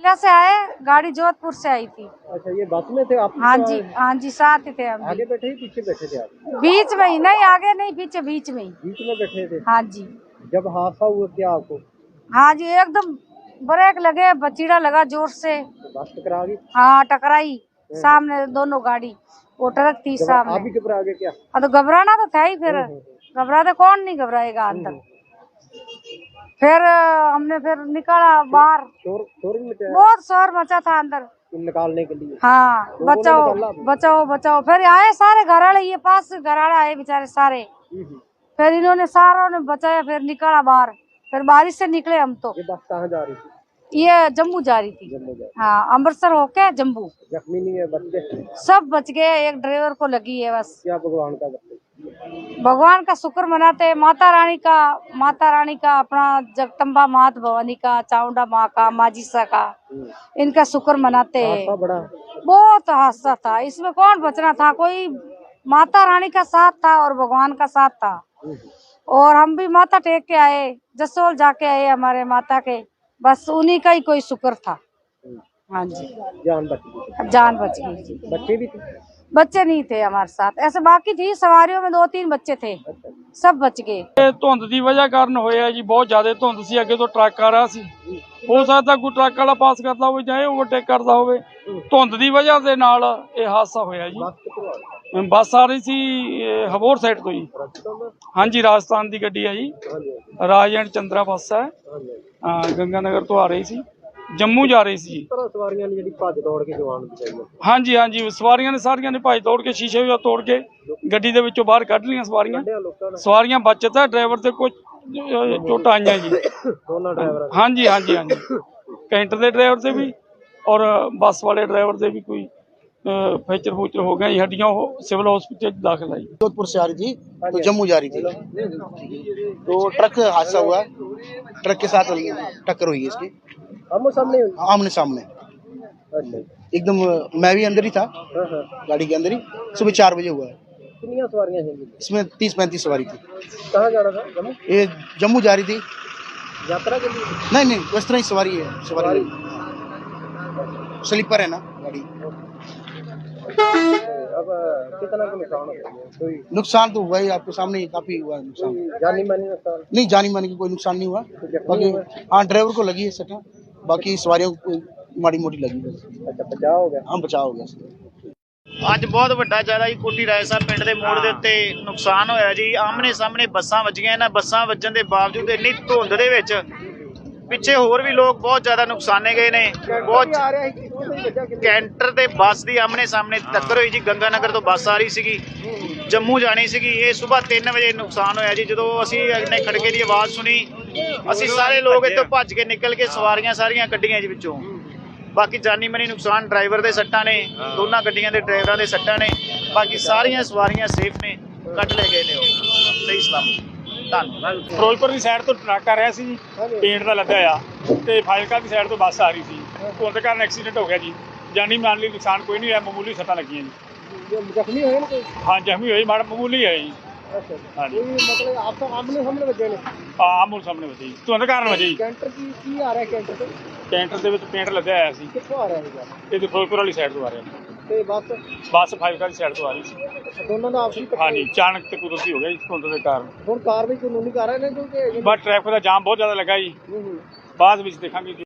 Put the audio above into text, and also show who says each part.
Speaker 1: फाजिल्का से आए, गाड़ी जोधपुर से आई थी।
Speaker 2: अच्छा, ये बस में थे आप?
Speaker 1: हाँ जी साथ ही थे हम।
Speaker 2: आगे बैठे ही पीछे बैठे थे आप?
Speaker 1: बीच में ही, नहीं आगे नहीं पीछे, बीच में ही।
Speaker 2: बीच में बैठे थे?
Speaker 1: हाँ जी।
Speaker 2: जब हादसा हुआ क्या आपको?
Speaker 1: हाँ जी, एकदम ब्रेक लगे, बचीड़ा लगा जोर से।
Speaker 2: तो बस टकरा गई?
Speaker 1: हाँ टकराई, सामने दोनों गाड़ी, वो ट्रक थी सामने।
Speaker 2: आप भी घबरा गए क्या?
Speaker 1: हाँ तो घबराना तो था ही, फिर घबराते कौन नहीं घबराएगा अंदर। फिर हमने फिर निकाला बाहर,
Speaker 2: शोर मचा?
Speaker 1: बहुत शोर मचा था अंदर
Speaker 2: निकालने के लिए।
Speaker 1: हाँ, बचाओ बचाओ बचाओ। फिर आए सारे घराड़े, ये पास घराड़े आए बेचारे सारे। फिर इन्होंने सारों ने बचाया, फिर निकाला बाहर। फिर बारिश से निकले हम तो।
Speaker 2: ये बस कहाँ जा रही थी?
Speaker 1: ये जम्मू जा रही थी।
Speaker 2: जम्मू जा रही।
Speaker 1: हाँ, अमृतसर होके जम्मू।
Speaker 2: जख्मी नहीं है? बच गए?
Speaker 1: सब बच गए, एक ड्राइवर को लगी है बस।
Speaker 2: क्या भगवान का करते?
Speaker 1: भगवान का शुक्र मनाते, माता रानी का अपना जगदम्बा मात भवानी का, चामुंडा माँ का, माजीसा का, इनका शुक्र मनाते हैं।
Speaker 2: बड़ा
Speaker 1: बहुत हादसा था, इसमें कौन बचना था, कोई माता रानी का साथ था और भगवान का साथ था। और हम भी माथा टेक के आए, जसोल जाके आए हमारे माता के, बस उन्हीं का ही कोई शुक्र था। हाँ जी,
Speaker 2: जान बच गई?
Speaker 1: जान बच गई जी।
Speaker 2: बच्चे भी थे?
Speaker 1: बच्चे नहीं थे हमारे साथ, ऐसे बाकी थी सवारियों में 2-3 बच्चे थे, सब बच गए।
Speaker 3: ਧੁੰਦ ਦੀ ਵਜ੍ਹਾ ਕਾਰਨ ਹੋਇਆ ਜੀ, ਬਹੁਤ ਜ਼ਿਆਦਾ ਧੁੰਦ ਸੀ, ਅੱਗੇ ਤੋਂ ਟਰੱਕ ਆ ਰਿਹਾ ਸੀ, ਹੋ ਸਕਦਾ ਕੋਈ ਟਰੱਕ ਵਾਲਾ ਪਾਸ ਕਰਦਾ ਹੋਵੇ ਜਾਂ ਇਹ ਓਵਰਟੇਕ ਕਰਦਾ ਹੋਵੇ, ਧੁੰਦ ਦੀ ਵਜ੍ਹਾ ਦੇ ਨਾਲ ਇਹ ਹਾਦਸਾ ਹੋਇਆ ਜੀ। ਬੱਸ ਆ ਰਹੀ ਸੀ ਹਬੋਰ ਸਾਈਡ ਤੋਂ ਜੀ। ਹਾਂਜੀ, ਰਾਜਸਥਾਨ ਦੀ ਗੱਡੀ ਹੈ ਜੀ, ਰਾਜ ਐਂਡ ਚੰਦਰਾ ਬੱਸ ਹੈ, ਗੰਗਾ ਨਗਰ ਤੋਂ ਆ ਰਹੀ ਸੀ, ਜੰਮੂ ਜਾ ਰਹੀ ਸੀ।
Speaker 2: ਸਵਾਰੀਆਂ ਨੇ ਜਿਹੜੀ ਭੱਜ ਦੌੜ ਕੇ ਜਵਾਨ ਬਚਾਈ?
Speaker 3: ਹਾਂਜੀ ਹਾਂਜੀ, ਸਵਾਰੀਆਂ ਨੇ ਸਾਰੀਆਂ ਨੇ ਭੱਜ ਦੌੜ ਕੇ ਸ਼ੀਸ਼ੇ ਵੀ ਤੋੜ ਕੇ ਗੱਡੀ ਦੇ ਵਿੱਚੋਂ ਬਾਹਰ ਕੱਢ ਲਈਆਂ ਸਵਾਰੀਆਂ ਬਚਤ ਹੈ। ਡਰਾਈਵਰ ਤੇ ਕੁਝ ਚੋਟਾਂ ਆਈਆਂ ਜੀ,
Speaker 2: ਦੋਨਾਂ ਡਰਾਈਵਰਾਂ?
Speaker 3: ਹਾਂਜੀ ਹਾਂਜੀ ਹਾਂਜੀ, ਕੈਂਟਰ ਦੇ ਡਰਾਈਵਰ ਤੇ ਵੀ ਔਰ ਬੱਸ वाले ड्राइवर से भी कोई फ्रैक्चर फ्रूक्चर हो गया। हड्डियां सिविल हॉस्पिटल दाखिल आई।
Speaker 4: जोधपुर से आ रही थी तो जम्मू जा रही थी, तो ट्रक हादसा हुआ, ट्रक के साथ टक्कर हुई है इसकी, आमने सामने एकदम। मैं भी अंदर ही था, गाड़ी के अंदर ही। सुबह 4 बजे हुआ है।
Speaker 2: कितनी सवारियां हैं
Speaker 4: इसमें? 30-35 सवारी थी।
Speaker 2: कहाँ जा रहा था? जम्मू?
Speaker 4: ये जम्मू जा रही थी
Speaker 2: यात्रा के लिए?
Speaker 4: नहीं, उस तरह ही सवारी है, सवारी स्लीपर है ना गाड़ी।
Speaker 2: अब कितना का नुकसान हो गया?
Speaker 4: नुकसान तो हुआ ही, आपके सामने ही काफी हुआ नुकसान।
Speaker 2: जानी मानी नुकसान?
Speaker 4: नहीं, जानी मानी का कोई नुकसान नहीं हुआ, बाकी हाँ ड्राइवर को लगी है सटा, बाकी सवारियों को माड़ी मोटी लगी बस।
Speaker 2: अच्छा, बचाव हो गया?
Speaker 4: हाँ, बचाव हो गया।
Speaker 5: ਅੱਜ ਬਹੁਤ ਵੱਡਾ ਜ਼ਿਆਦਾ ਜੀ ਕੋਟੀ ਰਾਏ ਸਾਹਿਬ ਪਿੰਡ ਦੇ ਮੋੜ ਦੇ ਉੱਤੇ ਨੁਕਸਾਨ ਹੋਇਆ ਜੀ। ਆਮਨੇ ਸਾਹਮਣੇ ਬੱਸਾਂ ਵੱਜੀਆਂ, ਇਹਨਾਂ ਬੱਸਾਂ ਵੱਜਣ ਦੇ ਬਾਵਜੂਦ ਇੰਨੀ ਧੁੰਦ ਦੇ ਵਿੱਚ ਪਿੱਛੇ ਹੋਰ ਵੀ ਲੋਕ ਬਹੁਤ ਜ਼ਿਆਦਾ ਨੁਕਸਾਨੇ ਗਏ ਨੇ। ਬਹੁਤ ਕੈਂਟਰ ਤੇ ਬੱਸ ਦੀ ਆਮਨੇ ਸਾਹਮਣੇ ਟੱਕਰ ਹੋਈ ਜੀ। ਗੰਗਾ ਨਗਰ ਤੋਂ ਬੱਸ ਆ ਰਹੀ ਸੀਗੀ, ਜੰਮੂ ਜਾਣੀ ਸੀਗੀ। ਇਹ ਸਵੇਰ 3 ਵਜੇ ਨੁਕਸਾਨ ਹੋਇਆ ਜੀ। ਜਦੋਂ ਅਸੀਂ ਇਹਨੇ ਖੜਕੇ ਦੀ ਆਵਾਜ਼ ਸੁਣੀ, ਅਸੀਂ ਸਾਰੇ ਲੋਕ ਇੱਥੋਂ ਭੱਜ ਕੇ ਨਿਕਲ ਕੇ ਸਵਾਰੀਆਂ ਸਾਰੀਆਂ ਕੱਢੀਆਂ ਜੀ ਵਿੱਚੋਂ। ਬਾਕੀ ਜਾਨੀ ਮਾਨੀ ਨੁਕਸਾਨ ਡਰਾਈਵਰ ਦੇ ਸੱਟਾਂ ਨੇ, ਦੋਨਾਂ ਗੱਡੀਆਂ ਦੇ ਡਰਾਈਵਰਾਂ ਦੇ ਸੱਟਾਂ ਨੇ, ਬਾਕੀ ਸਾਰੀਆਂ ਸਵਾਰੀਆਂ ਸੇਫ ਨੇ, ਕੱਢ ਲੈ ਗਏ ਨੇ ਉਹ ਸਹੀ ਸਲਾਮਤ। ਧੰਨਵਾਦ।
Speaker 3: ਫਿਰੋਜ਼ਪੁਰ ਦੀ ਸਾਈਡ ਤੋਂ ਟਰੱਕ ਆ ਰਿਹਾ ਸੀ ਜੀ, ਪੇਂਟ ਦਾ ਲੱਦਿਆ ਆ, ਤੇ ਫਾਜ਼ਿਲਕਾ ਦੀ ਸਾਈਡ ਤੋਂ ਬੱਸ ਆ ਰਹੀ ਸੀ। ਧੁੰਦ ਕਾਰਨ ਐਕਸੀਡੈਂਟ ਹੋ ਗਿਆ ਜੀ। ਜਾਨੀ ਮਾਲੀ ਨੁਕਸਾਨ ਕੋਈ ਨਹੀਂ ਹੋਇਆ, ਮਾਮੂਲੀ ਸੱਟਾਂ ਲੱਗੀਆਂ ਜੀ।
Speaker 2: ਜ਼ਖਮੀ ਹੋਏ ਨੇ ਕੋਈ?
Speaker 3: ਹਾਂ, ਜ਼ਖਮੀ ਹੋਈ, ਮਾੜਾ ਮਾਮੂਲੀ ਹੈ ਜੀ।
Speaker 2: अच्छा,
Speaker 3: ਹਾਂਜੀ,
Speaker 2: मतलब आप तो आमने सामने बजे ने?
Speaker 3: ਆਮੂਲ ਸਾਹਮਣੇ ਵਜੀ, ਧੁੰਦ ਕਾਰਨ ਵਜੀ।
Speaker 2: कैंटर की आ रहा है? कैंटर से
Speaker 3: ਕੈਂਟਰ ਦੇ ਵਿੱਚ ਪੇਂਟ ਲੱਦਿਆ ਹੋਇਆ ਸੀ।
Speaker 2: कितों आ रहा है?
Speaker 3: ਇਹ ਤੇ ਫਿਰੋਜ਼ਪੁਰ ਵਾਲੀ ਸਾਈਡ ਤੋਂ ਆ ਰਿਹਾ,
Speaker 2: ਤੇ ਬੱਸ?
Speaker 3: ਬੱਸ ਫਾਜ਼ਿਲਕਾ ਦੀ ਸਾਈਡ ਤੋਂ ਆ ਰਹੀ ਸੀ।
Speaker 2: ਦੋਨਾਂ ਦਾ ਆਪਸੀ
Speaker 3: ਹਾਂਜੀ, ਅਚਾਨਕ ਤੇ ਕੁਦਰਤੀ ਹੋ ਗਿਆ ਜੀ ਧੁੰਦ ਦੇ ਕਾਰਨ।
Speaker 2: ਹੁਣ ਕਾਰਵਾਈ ਕਾਨੂੰਨੀ ਕਰ ਰਹੇ ਨੇ ਕਿਉਂਕਿ
Speaker 3: ਬਸ ਟ੍ਰੈਫਿਕ ਦਾ ਜਾਮ ਬਹੁਤ ਜ਼ਿਆਦਾ ਲੱਗਾ ਜੀ, ਬਾਅਦ ਵਿੱਚ ਦੇਖਾਂਗੇ।